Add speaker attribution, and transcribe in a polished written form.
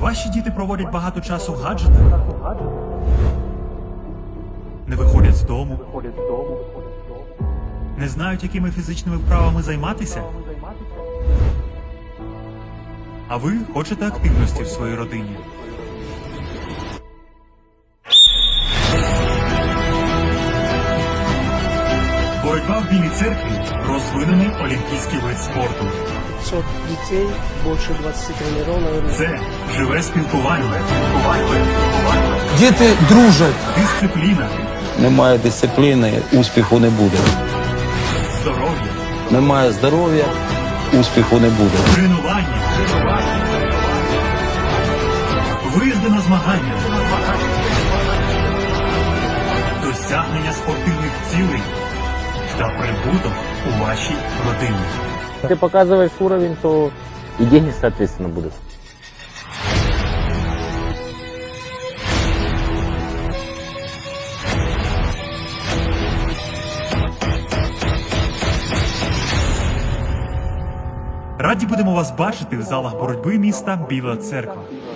Speaker 1: Ваші діти проводять багато часу в гаджетах? Не виходять з дому? Не знають, якими фізичними вправами займатися? А ви хочете активності в своїй родині? Боротьба в Білій церкві – розвинений олімпійський вид спорту.
Speaker 2: 500 детей, больше 20 тренеров.
Speaker 1: Це живе спілкування,
Speaker 3: Діти дружать.
Speaker 1: дисципліна,
Speaker 4: Немає дисципліни, успіху не буде.
Speaker 1: здоров'я,
Speaker 4: Немає здоров'я, успіху не буде.
Speaker 1: тренування, виїзди на змагання, досягнення спортивних цілей та прибуток у вашій родині.
Speaker 5: Ты показываешь уровень, то и деньги, соответственно, будут.
Speaker 1: Раді будемо вас бачити в залах боротьби міста Біла Церква.